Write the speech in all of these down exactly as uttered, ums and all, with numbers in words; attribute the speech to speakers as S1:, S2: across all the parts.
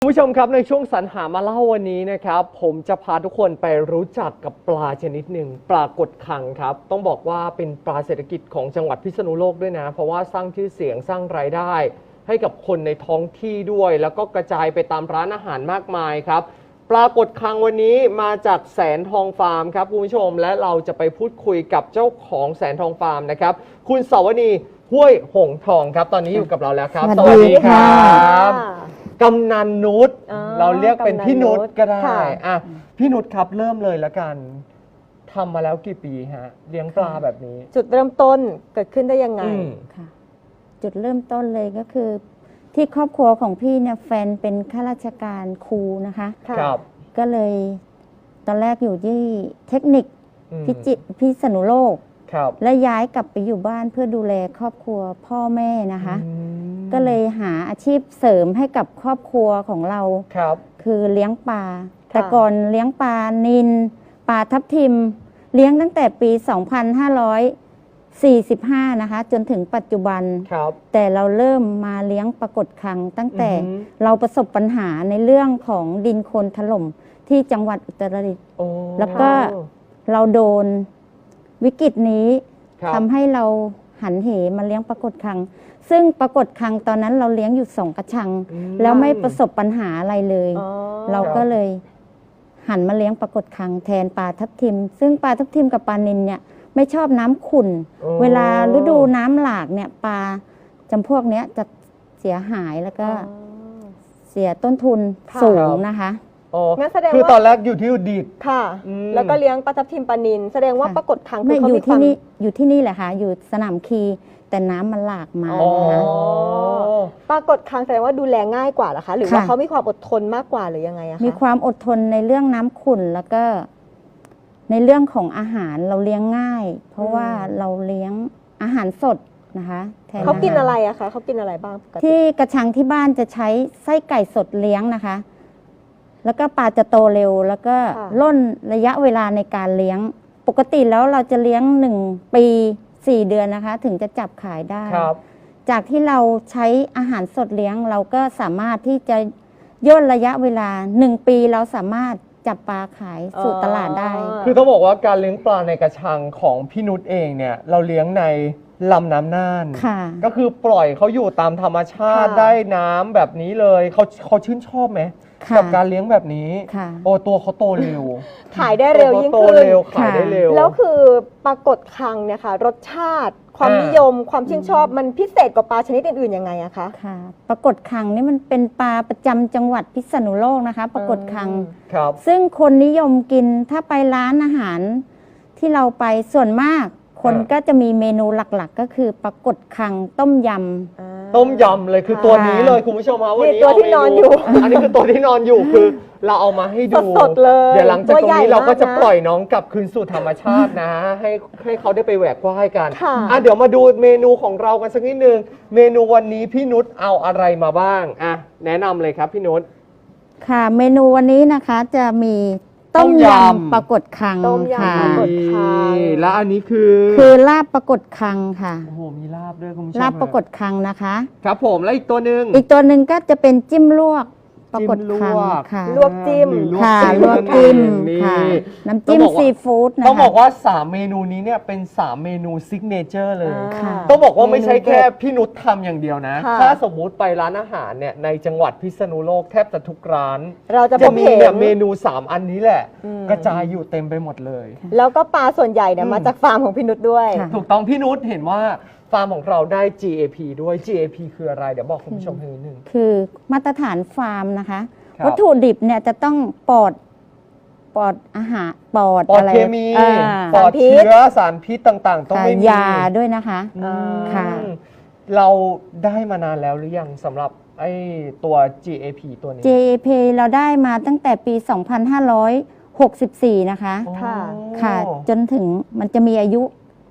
S1: คุณผู้ชมครับในช่วงสรรหามาเล่าวันนี้นะครับผมจะพาทุกคนไปรู้จักกับปลาชนิดหนึ่งปลากดคังครับต้องบอกว่าเป็นปลาเศรษฐกิจของจังหวัดพิษณุโลกด้วยนะเพราะว่าสร้างชื่อเสียงสร้างรายได้ให้กับคนในท้องที่ด้วยแล้วก็กระจายไปตามร้านอาหารมากมายครับปลากดคังวันนี้มาจากแสนทองฟาร์มครับคุณผู้ชมและเราจะไปพูดคุยกับเจ้าของแสนทองฟาร์มนะครับคุณสวนีห้วยหงทองครับตอนนี้อยู่กับเราแล้วครับ
S2: สวัสดีค่ะ
S1: กำนันนุชเราเรียกเป็นพี่นุชก็ได้อ่ะพี่นุชครับเริ่มเลยแล้วกันทำมาแล้วกี่ปีฮะเลี้ยงปลาแบบนี้
S2: จุดเริ่มต้นเกิดขึ้นได้ยังไง
S3: ค่ะจุดเริ่มต้นเลยก็คือที่ครอบครัวของพี่เนี่ยแฟนเป็นข้าราชการครูนะคะ
S1: ครับ
S3: ก็เลยตอนแรกอยู่ที่เทคนิคพิจิตรพิษณุโลกและย้ายกลับไปอยู่บ้านเพื่อดูแลครอบครัวพ่อแม่นะคะก็เลยหาอาชีพเสริมให้กับครอบครัวของเรา
S1: ครับ
S3: คือเลี้ยงปลาแต่ก่อนเลี้ยงปลานิลปลาทับทิมเลี้ยงตั้งแต่ปี สองพันห้าร้อยสี่สิบห้า นะคะจนถึงปัจจุบันแต่เราเริ่มมาเลี้ยงปลากดคังตั้งแต่เราประสบปัญหาในเรื่องของดินโคลนถล่มที่จังหวัดอุตรดิตถ์แล้วก็เราโดนวิกฤตนี้ทำให้เราหันเหมาเลี้ยงปลากดคังซึ่งปลากดคังตอนนั้นเราเลี้ยงอยู่สองกระชังแล้วไม่ประสบปัญหาอะไรเลยเราก็เลยหันมาเลี้ยงปลากดคังแทนปลาทับทิมซึ่งปลาทับทิมกับปลานิลเนี่ยไม่ชอบน้ำขุ่นเวลาฤดูน้ำหลากเนี่ยปลาจำพวกเนี้ยจะเสียหายแล้วก็เสียต้นทุนสูงนะคะ
S1: งั้นแสดงว่าคือตอนแรกอยู่ที่อุดิต
S2: ค่ะแล้วก็เลี้ยงปลาทับทิมปลานิลแสดงว่าปลากดคัง
S3: คือเขาอยู่ที่นี่อยู่ที่นี่แหละค่ะอยู่สนามคีแต่น้ำมันหลากมานะคะ
S2: ปลากดคังแสดงว่าดูแลง่ายกว่าเหรอคะหรือว่าเขามีความอดทนมากกว่าหรือยังไงอะคะ
S3: มีความอดทนในเรื่องน้ำขุ่นแล้วก็ในเรื่องของอาหารเราเลี้ยงง่าย เพราะว่าเราเลี้ยงอาหารสดนะคะ
S2: เขากินอะไรอะคะเขากินอะไรบ้าง
S3: ที่กระชังที่บ้านจะใช้ไส้ไก่สดเลี้ยงนะคะแล้วก็ปลาจะโตเร็วแล้วก็ล่นระยะเวลาในการเลี้ยงปกติแล้วเราจะเลี้ยงหนึ่งปีสี่เดือนนะคะถึงจะจับขายได้จากที่เราใช้อาหารสดเลี้ยงเราก็สามารถที่จะย่นระยะเวลาหนึ่งปีเราสามารถจับปลาขายสู่ตลาดได้
S1: คือต้องบอกว่าการเลี้ยงปลาในกระชังของพี่นุชเองเนี่ยเราเลี้ยงในลำน้ำน่านก็คือปล่อยเขาอยู่ตามธรรมชาติได้น้ำแบบนี้เลยเขาเขาชื่นชอบไหมกับการเลี้ยงแบบนี้โอ้ตัวเขาโตเร็ว
S2: ขายได้เร็วยิ่งขึ้น
S1: ขายได้เร็ว
S2: แล้วคือปลากดคังเนี่ยค่ะรสชาติความนิยมความชื่นชอบมันพิเศษกว่าปลาชนิดอื่นๆยังไงอะคะ
S3: ค่ะปลากดคังนี่มันเป็นปลาประจำจังหวัดพิษณุโลกนะคะปลากดคังซึ่งคนนิยมกินถ้าไปร้านอาหารที่เราไปส่วนมากคนก็จะมีเมนูหลักๆก็คือปลากดคังต้มยำ
S1: ต้มยำเลยคือตัวนี้เลยคุณผู้ชมครับวันนี้
S2: ตัวที่นอนอยู่
S1: อันนี้คือตัวที่นอนอยู่คือเราเอามาให้ดู
S2: สดๆเลย
S1: เดี๋ยวหลังจากตรงนี้เราก็จะปล่อยน้องกลับคืนสู่ธรรมชาตินะให้ให้เขาได้ไปแหวกว่ายกันอ่ะเดี๋ยวมาดูเมนูของเรากันสักนิดนึงเมนูวันนี้พี่นุชเอาอะไรมาบ้างอ่ะแนะนำเลยครับพี่นุช
S3: ค่ะเมนูวันนี้นะคะจะมีต้มยำปลากดคัง
S2: ต้มยำปลากดคัง
S1: แล้วอันนี้คือ
S3: คือลาบปลากดคังค่ะ
S1: โอ้โหมีลาบด้วยคุณผู้ชม
S3: ลาบปลากดคังนะคะ
S1: ครับผมแล้วอีกตัวหนึ่ง
S3: อีกตัวหนึ่งก็จะเป็นจิ้มลวกปลากดคังค่ะ
S2: ลวกจิ้ม
S3: ค่ะลวกจิ้มค่ะน้ำจิ้มซีฟู้ดนะคะ
S1: ต้องบอกว่าสามเมนูนี้เนี่ยเป็นสามเมนูซิกเนเจอร์เลยต้องบอกว่าไม่ใช่แค่พี่นุชทำอย่างเดียวนะถ้าสมมุติไปร้านอาหารเนี่ยในจังหวัดพิษณุโลกแทบจะทุกร้าน
S2: เราจะ
S1: มีแบบเมนูสามอันนี้แหละกระจายอยู่เต็มไปหมดเลย
S2: แล้วก็ปลาส่วนใหญ่เนี่ยมาจากฟาร์มของพี่นุชด้วย
S1: ถูกต้องพี่นุชเห็นว่าฟาร์มของเราได้ จี เอ พี ด้วย จี เอ พี คืออะไรเดี๋ยวบอกคุณผู้ชมให้นิดนึง
S3: คือมาตรฐานฟาร์มนะคะวัตถุดิบเนี่ยจะต้องปลอดปลอดอาหารปลอด
S1: อะไรเคมีปลอดเชื้อสารพิษต่างๆต้องไม่มี
S3: ยาด้วยนะคะค่ะ
S1: เราได้มานานแล้วหรือยังสำหรับไอ้ตัว จี เอ พี ตัวนี้
S3: จี เอ พี เราได้มาตั้งแต่ปี สองพันห้าร้อยหกสิบสี่ นะคะค่ะจนถึงมันจะมีอายุ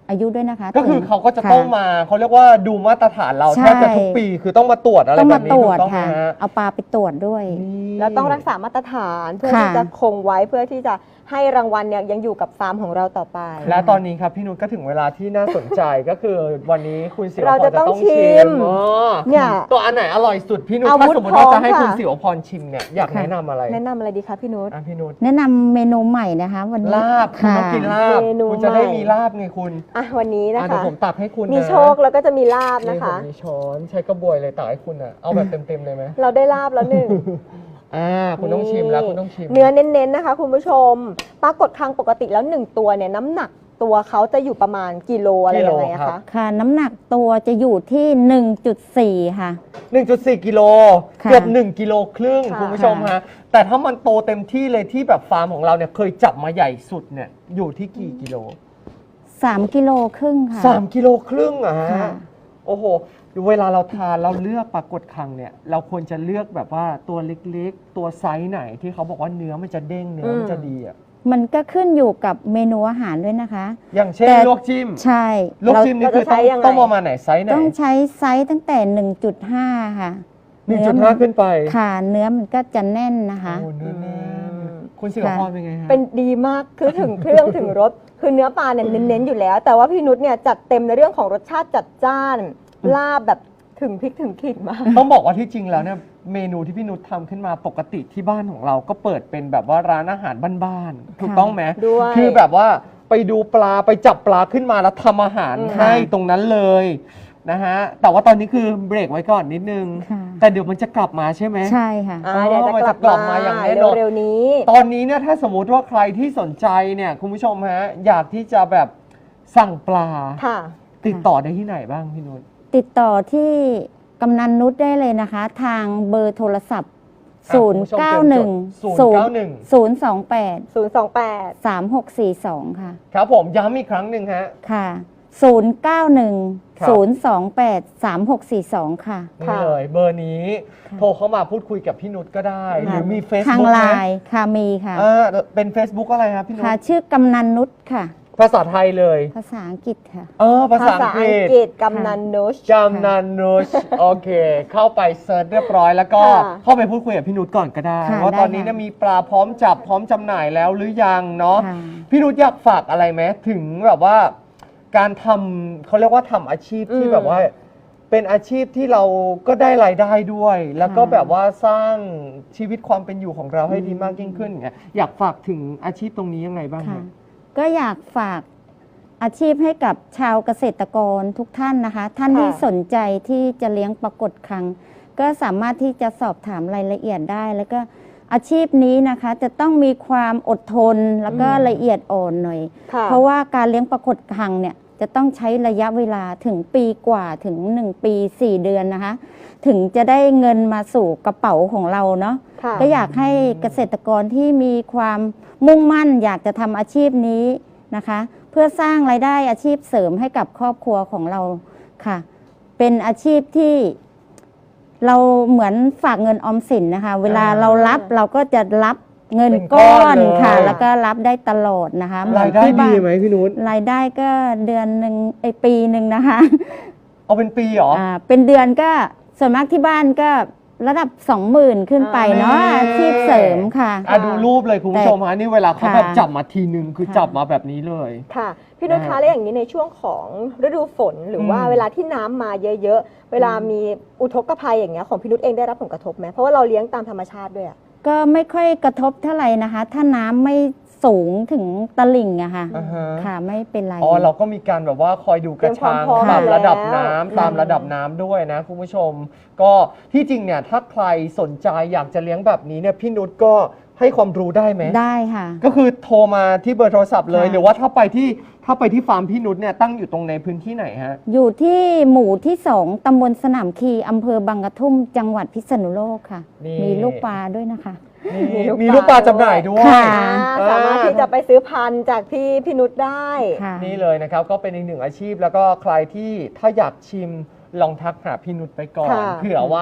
S3: อายุด้วยนะคะ
S1: ก็คือ
S3: ถึง
S1: เขาก็จะ
S3: ค่
S1: ต้องมาเขาเรียกว่าดูมาตรฐานเรา
S3: ใช่
S1: แทบจะทุกปีคือต้องมาตรวจอะไร
S3: ต้อง
S1: แบ
S3: มา
S1: บนี้
S3: ตร
S1: ถู
S3: วจ
S1: กต้องไหม
S3: ค่ะ
S1: ฮะ
S3: เอาปลาไปตรวจด้วย
S1: นี่
S2: แล้วต้องรักษามาตรฐานเพื่อ
S3: ค่ะ
S2: ที่จะคงไว้เพื่อที่จะให้รางวัลเนี่ยยังอยู่กับฟาร์มของเราต่อไป
S1: และตอนนี้ครับพี่นุชก็ถึงเวลาที่น่าสนใจก็คือวันนี้คุณศิวพร
S2: เราจะต้องชิม
S1: อ๋อ
S2: เนี่ย
S1: ตัวอันไหนอร่อยสุดพี่นุช
S2: อาวุธ
S1: ถ้าสมมติว่าจะให้
S2: พร้อม
S1: คุณ
S2: ค่ะ
S1: ศิวพรชิมเนี่ยอยาก
S3: ค่ะ
S1: แนะนำอะไร
S2: แนะนำอะไรดีคะพี่นุช
S1: อ่ะพี่นุช
S3: แนะนำเมนูใหม่นะคะ วันนี้
S1: ลาบคุณ
S3: ค่ะ
S1: ต้องกินลาบ
S2: เมนู
S1: คุณจะได้
S2: ใหม่
S1: มีลาบไงคุณ
S2: อ่ะวันนี้นะ
S1: อ่ะเดี๋ย
S2: คะ
S1: วผมตักให้คุณนะ
S2: มีโชคแล้วก็จะมีลาบ
S1: นี่
S2: นะ
S1: ผม
S2: คะ
S1: มีช้อนใช้กระบวยเลยตักให้คุณอ่ะเอาแบบเต็มๆเลยไหม
S2: เราได้ลาบแล้วหนึ่ง
S1: อ่าคุณต้องชิมแล้วคุณต้องชิม
S2: เนื้อเน้นๆนะคะคุณผู้ชมปรากฏครั้งปกติแล้วหนึ่งตัวเนี่ยน้ำหนักตัวเขาจะอยู่ประมาณกิโลอะไรยังไงอะคะ
S3: ค่ะ น้ำหนักตัวจะอยู่ที่ หนึ่งจุดสี่ ค่ะ
S1: หนึ่งจุดสี่ กิโล
S3: ค่ะ
S1: เกือบหนึ่งกิโลครึ่ง
S2: ค่ะ
S1: คุณผู้ชมฮะแต่ถ้ามันโตเต็มที่เลยที่แบบฟาร์มของเราเนี่ยเคยจับมาใหญ่สุดเนี่ยอยู่ที่กี่กิโล
S3: สามกิโลครึ่งค่ะ
S1: สามกิโลครึ่งอะฮะ
S3: ค่ะ
S1: โอ้โห เวลาเราทานเราเลือกปลากดคังเนี่ย เราควรจะเลือกแบบว่าตัวเล็กๆ ตัวไซส์ไหนที่เขาบอกว่าเนื้อมันจะเด้งเนื้อมันจะดีอะ
S3: มันก็ขึ้นอยู่กับเมนูอาหารด้วยนะคะ
S1: อย่างเช่น
S3: แต่
S1: ลวกจิ้ม
S3: ใช่
S1: ลวกจิ้มนี่คือต้อง
S2: เราจะใช้ยังไง
S1: ต้องประมาณไหนไซส์ไหน
S3: ต้องใช้ไซส์ตั้งแต่ หนึ่งจุดห้า ค่ะ
S1: หนึ่งจุดห้าขึ้นไป
S3: ค่ะ เนื้อมันก็จะแน่นนะคะ
S1: โอ้เนื้อแน่น
S2: อืม
S1: คุณศิวพรเป็นไงฮะ
S2: เป็นดีมากคือถึงเครื่องถึงรสคือเนื้อปลาเนี่ยเน้นๆอยู่แล้ว แต่ว่าพี่นุชเนี่ยจัดเต็มในเรื่องของรสชาติจัดจ้านลาบแบบถึงพริกถึงขิงมาก
S1: ต้องบอกว่าที่จริงแล้วเนี่ยเมนูที่พี่นุชทำขึ้นมาปกติที่บ้านของเราก็เปิดเป็นแบบว่าร้านอาหารบ้านๆถูกต้องไหม
S2: ด้วย
S1: คือแบบว่าไปดูปลาไปจับปลาขึ้นมาแล้วทำอาหาร
S2: อืม
S1: ให้ตรงนั้นเลยนะฮะแต่ว่าตอนนี้คือเบรกไว้ก่อนนิดนึง
S3: ค่ะ
S1: แต่เดี๋ยวมันจะกลับมาใช่ไหม
S3: ใช่ค่ะ
S2: อ่าเดี๋ยวจะ
S1: มัน
S2: ก
S1: จะ
S2: ลับ
S1: กลับ
S2: มา
S1: มาอย่างแน่นอน
S2: เร็วๆนี้
S1: ตอนนี้เนี่ยถ้าสมมุติว่าใครที่สนใจเนี่ยคุณผู้ชมฮะอยากที่จะแบบสั่งปลา
S2: ค่ะ
S1: ติดต่อได้ที่ไหนบ้างพี่นุช
S3: ติดต่อที่กำนันนุชได้เลยนะคะ ทางเบอร์โทรศัพท์
S1: อ่ะคุณผู้ชมเตรียมจด ศูนย์ เก้าหนึ่ง
S3: ศูนย์ สองแปด
S2: ศูนย์ สอง แปด
S3: สามหกสี่สอง ค่ะ
S1: ครับผมย้ำอีกครั้งหนึ่งฮะ
S3: ค่ะ ศูนย์ เก้าหนึ่ง
S1: ครับ
S3: ศูนย์ สองแปด สามหกสี่สอง ค่ะ
S1: นี่
S2: ค่ะ
S1: เลยเบอร์นี้
S3: ค่ะ
S1: โทรเข้ามาพูดคุยกับพี่นุชก็ได้ หรือมี
S3: ทาง
S1: Facebook
S3: ไล
S1: ไหม
S3: น์ค่ะมีค่ะ
S1: อ่าเป็น Facebook อะไรครับพี่นุช
S3: ค่ะ ชื่อกำนันนุชค่ะ
S1: ภาษาไทยเลย
S3: ภาษาอังกฤษค่ะ
S1: เออภา
S2: ภา
S1: ษา
S2: ษา
S1: อังก
S2: อัง
S1: ฤษ
S2: กฤษกำนันนุช
S1: จำนันนุชโอเค เข้าไปเซิร์ชเรียบร้อยแล้วก็
S2: ค่ะ
S1: เข้าไปพูดคุยกับพี่นุชก่อนก็ได้
S3: ค่ะ
S1: ว่า
S3: ได้
S1: ตอนนี้เนี่ย
S3: ค่ะ
S1: มีปลาพร้อมจับพร้อมจำหน่ายแล้วหรือยังเนาะ
S3: ค่ะ
S1: พี่นุชอยากฝากอะไรไหมถึงแบบว่าการทำเขาเรียกว่าทำอาชีพที่
S2: อืม
S1: แบบว่า เป็นอาชีพที่เราก็ได้รายได้ด้วย แล้วก็
S3: ค่ะ
S1: แบบว่าสร้างชีวิตความเป็นอยู่ของเราให้ดีมากยิ่งขึ้นอย่างเงี้ยอยากฝากถึงอาชีพตรงนี้ยังไงบ้าง
S3: ค่ะ
S1: เนี่ย
S3: ก็อยากฝากอาชีพให้กับชาวเกษตรกรทุกท่านนะคะ ท่าน
S2: ค่ะ
S3: ที่สนใจที่จะเลี้ยงปลากดคัง ก็สามารถที่จะสอบถามรายละเอียดได้ แล้วก็อาชีพนี้นะคะ จะต้องมีความอดทนแล้วก็
S1: อืม
S3: ละเอียดอ่อนหน่อย
S2: ค่ะ
S3: เพราะว่าการเลี้ยงปลากดคังเนี่ยจะต้องใช้ระยะเวลาถึงปีกว่าถึงหนึ่งปีสี่เดือนนะคะ ถึงจะได้เงินมาสู่กระเป๋าของเราเนาะ
S2: ค่ะ
S3: ก็อยากให้เกษตรกรที่มีความมุ่งมั่น อยากจะทำอาชีพนี้นะคะ เพื่อสร้างรายได้อาชีพเสริมให้กับครอบครัวของเราค่ะ เป็นอาชีพที่เราเหมือนฝากเงินออมสินนะคะ เวลาเรารับเราก็จะรับเงิน
S1: เป็นก้
S3: ก้
S1: อ
S3: อน น
S1: เลย
S3: ค่ะ แล้วก็รับได้ตลอดนะคะเหมือน
S1: รายได้
S3: ที่บ้
S1: ดี
S3: น
S1: ไหมพี่นุช
S3: รายได้ก็เดือนหนึ่งไอยปีหนึ่งนะคะ
S1: เอาเป็นปีเหรอ
S3: อ่าเป็นเดือนก็ส่วนมากที่บ้านก็ระดับสองหมื่นขึ้นไปเนาะ
S1: อ่า
S3: อาชีพเสริมค่ะ
S1: อ่ะดูรูปเลยคุณผู้ชมฮะนี่เวลาเขา
S3: ค่ะ
S1: แบบจับมาทีนึงคือ
S3: ค่ะ
S1: จับมาแบบนี้เลย
S2: ค่ะ พี่นุช
S1: นะ
S2: คะ
S1: ฮะ
S2: แล้วอย่างนี้ในช่วงของฤดูฝนหรือว่า
S1: อืม
S2: เวลาที่น้ำมาเยอะๆ เวลามีอุทกภัยอย่างเงี้ยของพี่นุชเองได้รับผลกระทบไหมเพราะว่าเราเลี้ยงตามธรรมชาติด้วยอะ
S3: ก็ไม่ค่อยกระทบเท่าไหร่นะคะ ถ้าน้ำไม่สูงถึงตลิ่งอะค่ะ
S1: อ่าฮะ
S3: ค่ะไม่เป็นไร
S1: อ๋อเราก็มีการแบบว่าคอยดูกระชัง
S2: เตรียมความพร้อม
S1: ตามระดับ
S2: แล้ว
S1: น้ำตามระดับน้ำด้วยนะคุณผู้ชม ก็ที่จริงเนี่ยถ้าใครสนใจอยากจะเลี้ยงแบบนี้เนี่ยพี่นุชก็ให้ความรู้ได้ไหม
S3: ได้ค่ะ
S1: ก็คือโทรมาที่เบอร์โทรศัพท์เลย
S3: ค่ะ
S1: หรือว่าถ้าไปที่ถ้าไปที่ฟาร์มพี่นุชเนี่ยตั้งอยู่ตรงในพื้นที่ไหนฮะ
S3: อยู่ที่หมู่ที่สองตำบลสนามคีอำเภอบางกระทุ่มจังหวัดพิษณุโลกค่ะ
S1: นี่
S3: มีลูกปลาด้วยนะคะ
S1: นี่มีลูกปลาจำหน่ายด้วย
S3: ค่ะ
S2: อ่าสามารถที่จะไปซื้อพันธุ์จากที่พี่นุชได้
S3: ค่ะ
S1: นี่เลยนะครับก็เป็นอีกหนึ่งอาชีพแล้วก็ใครที่ถ้าอยากชิมลองทักหาพี่นุชไปก่อน
S2: ค่ะ
S1: เผื่อว่า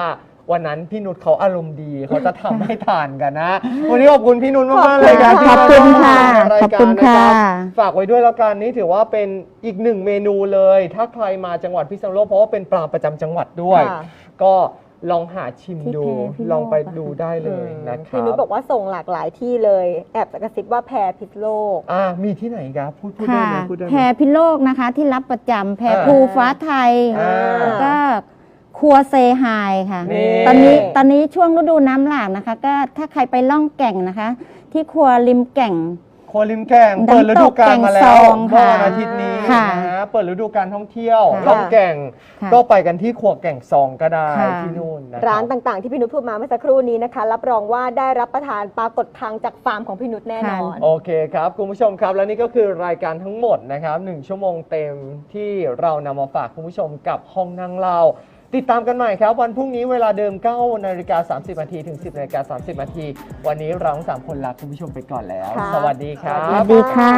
S1: วันนั้นพี่นุชเขาอารมณ์ดีเขาจะทำให้ทานกันนะ วันนี้ขอบคุณพี่นุชมากๆเลยครับ
S3: ขอบคุณค่ะ
S1: ที่มาร่วมราย
S3: ขอบ
S1: การ
S3: คุณ
S1: นะ
S3: ค่ะ
S1: รับฝากไว้ด้วยแล้วกันนี่ถือว่าเป็นอีกหนึ่งเมนูเลย ถ้าใครมาจังหวัดพิษณุโลกเพราะว่าเป็นปลาประจำจังหวัดด้วย
S2: ค่ะ
S1: ก็ลองหาชิม
S3: ที่
S1: ดู
S3: แพรพิโลก
S1: ลองไป
S3: อะ
S1: ดูได้เลยนะค
S2: พี่
S1: รั
S2: นุช
S1: บ
S2: บอกว่าส่งหลากหลายที่เลยแอบกระซิบว่าแพรพิษโลก
S1: อ่ามีที่ไหนครับพูดพูดได้
S3: ค่ะ
S1: ไหมพูดได้ไห
S3: แพ
S1: ม
S3: รพิโลกนะคะที่รับประจำแพร
S1: อ่า
S3: ภูฟ้าไทย
S1: อ่า
S3: แล้วก็ครัวเซไฮค่ะ
S1: นี่
S3: ตอนนี้ตอนนี้ช่วงฤดูน้ำหลากนะคะ ก็ถ้าใครไปล่องแก่งนะคะ ที่ครัวริมแก่ง
S1: ครัวริมแก่งเปิดฤดูกาลมาแล้ว
S3: น้ำตกแก่งซอง
S1: เมื่อ
S3: ค่ะ
S1: วันอาทิตย์นี้
S3: ค่ะ
S1: นะฮะเปิดฤดูกาลท่องเที่ยว
S3: ค่ะ
S1: ล่องแก่ง
S3: ค่ะ
S1: ก็ไปกันที่ครัวแก่งซองก็ได้
S3: ค่ะ
S1: ที่นู่นนะคบ
S2: ร้านต่างๆที่พี่นุชพูดมาเมื่อสักครู่นี้นะคะ รับรองว่าได้รับประทานปลากดคังจากฟาร์มของพี่นุชแน่นอน
S1: โอเคครับคุณผู้ชมครับและนี่ก็คือรายการทั้งหมดนะครับหนึ่งชั่วโมงเต็มที่เรานำมาฝากคุณผู้ชมกับห้องนั่งเล่าติดตามกันใหม่ครับวันพรุ่งนี้เวลาเดิมเก้านาฬิกาสามสิบนาทีถึงสิบนาฬิกาสามสิบนาทีวันนี้เราทั้งสามคนลาคุณผู้ชมไปก่อนแล้ว
S2: ค่ะ
S1: สวัสดีครั
S3: สวั
S1: บ
S3: สดีค่ะ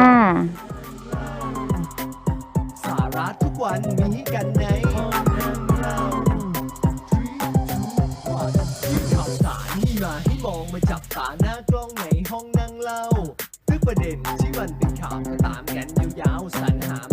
S4: สาระทุกวันมีกันในห้องนั่งเล่าข่าวสารที่มาให้มองมาจับตาหน้ากล้องในห้องนั่งเล่าทุกประเด็นที่มันเป็นข่าวก็ตามกันยาวๆสรรหา